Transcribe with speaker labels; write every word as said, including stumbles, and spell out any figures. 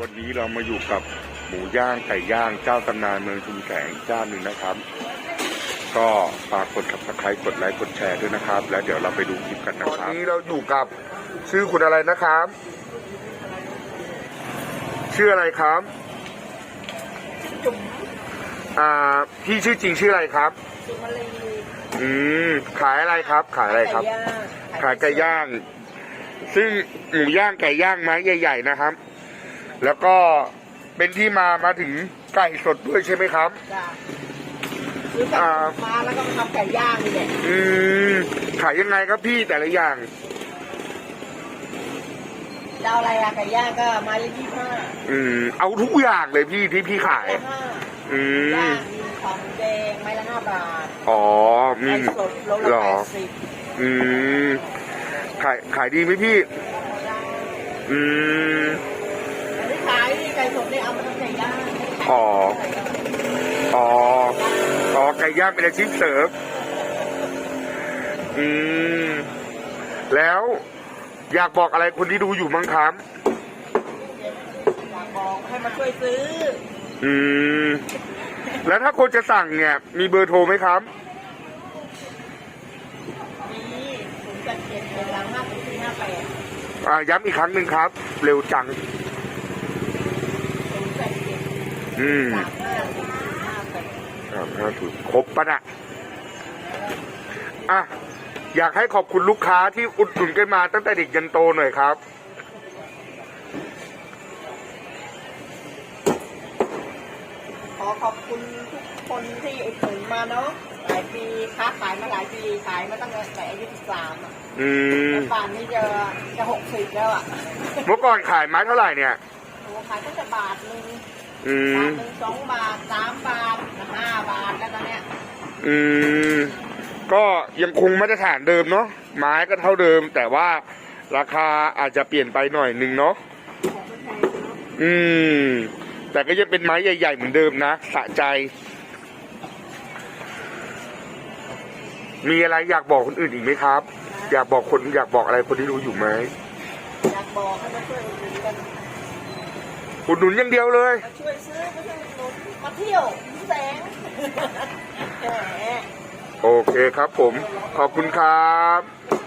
Speaker 1: วันนี้เรามาอยู่กับหมูย่างไก่ย่างเจ้าตำนานเมืองชุมแสงเจ้าหนึ่งนะครับก็ฝากกด ซับสไครบ์ กดไลค์กดแชร์ด้วยนะครับแล้วเดี๋ยวเราไปดูคลิปกันนะครับตอนนี้เราอยู่กับชื่อคุณอะไรนะครับชื่ออะไรครับ
Speaker 2: จุ๋ม
Speaker 1: อ่าพี่ชื่อจริงชื่ออะไรครับ
Speaker 2: จุ๋มมะลี
Speaker 1: อืมขายอะไรครับขายอะไรครับขายไก่ย่างซึ่งหมูย่างไก่ย่างไม้ใหญ่ๆนะครับแล้วก็เป็นที่มามาถึงไก่สดด้วยใช่ไหมครับ
Speaker 2: จ้ะซื้อไก่มาแล้วก็มาทำไก่ย่างนี่แหละ
Speaker 1: อืมขายยังไงครับพี่แต่ละอย่าง
Speaker 2: เจ้าอะไรอะไก่ย่างก็มายี่สิบห้า
Speaker 1: อืมเอาทุกอย่างเลยพี่ที่พี่ขายอืม
Speaker 2: ย่างมีของแดงไม้ละห้าบาท
Speaker 1: อ๋อมี
Speaker 2: สดโลละแปดสิบ
Speaker 1: อืมขายขายดีไหมพี่อืม
Speaker 2: อันนี้ขายไก่สดเนี่ยเอามาทำไก่ย่าง
Speaker 1: อ๋ออ๋ออ๋อไก่ย่างเป็นอาชีพเสริมอืมแล้วอยากบอกอะไรคนที่ดูอยู่มั้งครับ
Speaker 2: อยากบอกให้มาช่วยซื้อ
Speaker 1: อืมแล้วถ้าคนจะสั่งเนี่ยมีเบอร์โทรไหมครับ
Speaker 2: มีศูนย์แปดเจ็ดเป็นหลังห้าสี่ห้าแปด
Speaker 1: อ่าย้ำอีกครั้งหนึ่งครับเร็วจังอืมห้าถูกครบปะนะอ่ะอยากให้ขอบคุณลูกค้าที่อุดหนุนกันมาตั้งแต่เด็กยันโตหน่อยครับ
Speaker 2: ขอขอบคุณทุกคนที่อุดหนุนมาเนาะหลายปีค้าขายมาหลายปีขายมาตั้งแต่อายุสิบสามอ่ะ
Speaker 1: อืม
Speaker 2: ป่านนี้จะจะหกสิบแล้วอ่ะ
Speaker 1: เมื่อก่อนขายไม้เท่าไหร่เนี่ย
Speaker 2: โอ้ขายตั้งแต่บาทนึง
Speaker 1: อืม
Speaker 2: บาทนึงสองบาทสามบาทห้าบาทแล้วตอนเนี้ย
Speaker 1: อืมก็ยังคงมาตรฐานเดิมเนาะไม้ก็เท่าเดิมแต่ว่าราคาอาจจะเปลี่ยนไปหน่อยนึงเนาะอืมแต่ก็ยังเป็นไม้ใหญ่ๆเหมือนเดิมนะสะใจมีอะไรอยากบอกคนอื่นอีกไหมครับอยากบอกคนอยากบอกอะไรคนที่รู้อยู่ไหม
Speaker 2: อยากบอกให้มาช่วยอุดหนุนกัน
Speaker 1: อุดหนุนอย่างเดียวเลย
Speaker 2: มาช่วยซื้อมาช่วยอุดหนุนมาเที่ยวแสง
Speaker 1: โอเคครับผมขอบคุณครับ